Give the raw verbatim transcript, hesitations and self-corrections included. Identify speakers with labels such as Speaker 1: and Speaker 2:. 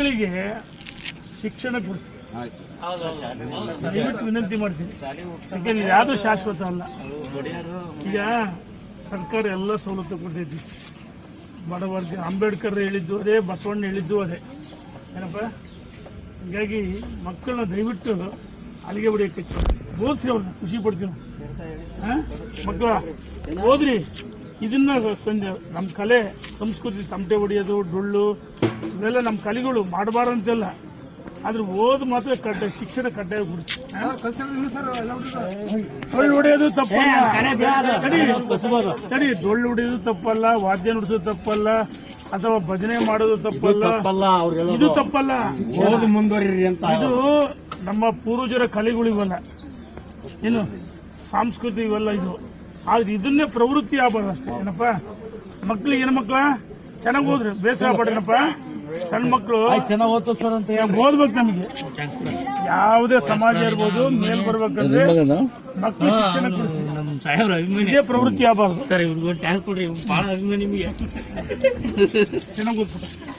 Speaker 1: ಮಕ್ಕಳಿಗೆ ಶಿಕ್ಷಣ ಕೊಡಿಸಿ ದಯವಿಟ್ಟು ವಿನಂತಿ ಮಾಡ್ತೀನಿ. ಯಾಕೆಂದ್ರೆ ಯಾವುದೂ ಶಾಶ್ವತ ಅಲ್ಲ. ಈಗ ಸರ್ಕಾರ ಎಲ್ಲ ಸವಲತ್ತು ಕೊಟ್ಟಿದ್ವಿ. ಬಡವರ್ಗ ಅಂಬೇಡ್ಕರ್ ಹೇಳಿದ್ದು ಅದೇ, ಬಸವಣ್ಣ ಹೇಳಿದ್ದು ಅದೇ ಏನಪ್ಪ. ಹೀಗಾಗಿ ಮಕ್ಕಳನ್ನ ದಯವಿಟ್ಟು ಅಲ್ಲಿಗೆ ಬಿಡೋಕ್ಕೆ ಓದಿಸಿ, ಅವ್ರನ್ನ ಖುಷಿ ಪಡ್ತೀವಿ. ಹಾಂ ಮಕ್ಕಳ ಓದ್ರಿ. ಇದನ್ನ ಸಂಜೆ ನಮ್ಮ ಕಲೆ ಸಂಸ್ಕೃತಿ, ತಮಟೆ ಹೊಡೆಯೋದು, ಡೊಳ್ಳು, ಇವೆಲ್ಲ ನಮ್ಮ ಕಲೆಗಳು ಮಾಡಬಾರ್ದಂತೆಲ್ಲ. ಆದ್ರೆ ಓದ್ ಮಾತ್ರ ಕಡ್ಡಾಯ, ಶಿಕ್ಷಣ ಕಡ್ಡಾಯ ಗುಡಿಸಿ. ಡೊಳ್ಳು ಹೊಡೆಯೋದು ತಪ್ಪಲ್ಲ, ಸರಿ, ಡೊಳ್ಳು ಹೊಡೆಯೋದು ತಪ್ಪಲ್ಲ, ವಾದ್ಯ ನುಡಿಸೋದು ತಪ್ಪಲ್ಲ, ಅಥವಾ ಭಜನೆ ಮಾಡೋದು ತಪ್ಪಲ್ಲ, ಇದು ತಪ್ಪಲ್ಲ.
Speaker 2: ಓದು ಮುಂದುವರಿ ಅಂತ.
Speaker 1: ಇದು ನಮ್ಮ ಪೂರ್ವಜರ ಕಲೆಗಳು ಇವೆಲ್ಲ, ಏನು ಸಾಂಸ್ಕೃತಿಕ ಇವೆಲ್ಲ ಇದು. ಆದ್ರೆ ಇದನ್ನೇ ಪ್ರವೃತ್ತಿ ಆಗಬಾರ್ದು ಅಷ್ಟೇ. ಏನಪ್ಪ ಮಕ್ಳಿಗೆ, ಏನು ಮಕ್ಳ ಚೆನ್ನಾಗಿ ಓದ್ರಿ, ಬೇಸರ ಪಡ್ರಪ್ಪ. ಸಣ್ಣ ಮಕ್ಕಳು
Speaker 2: ಚೆನ್ನಾಗಿ ಓದ್ತು ಸರ್ ಅಂತ
Speaker 1: ಓದ್ಬೇಕು. ನಮಗೆ ಯಾವುದೇ ಸಮಾಜ ಇರ್ಬೋದು, ಮೇಲ್ ಬರ್ಬೇಕಂದ್ರೆ ಮಕ್ಕಳು ಶಿಕ್ಷಣ ಕೊಡಿಸಿ, ಇದೇ ಪ್ರವೃತ್ತಿ ಆಗಬಾರ್ದು.
Speaker 3: ಸರ್ ಇವ್ರಿಗೊಂದು ಟ್ಯಾಂಕ್ ಕೊಡ್ರಿ, ಭಾಳ ಅಭಿಮಾನಿ ನಿಮಗೆ.
Speaker 1: ಚೆನ್ನಾಗಿ ಓದ್ಬಿಟ್ಟು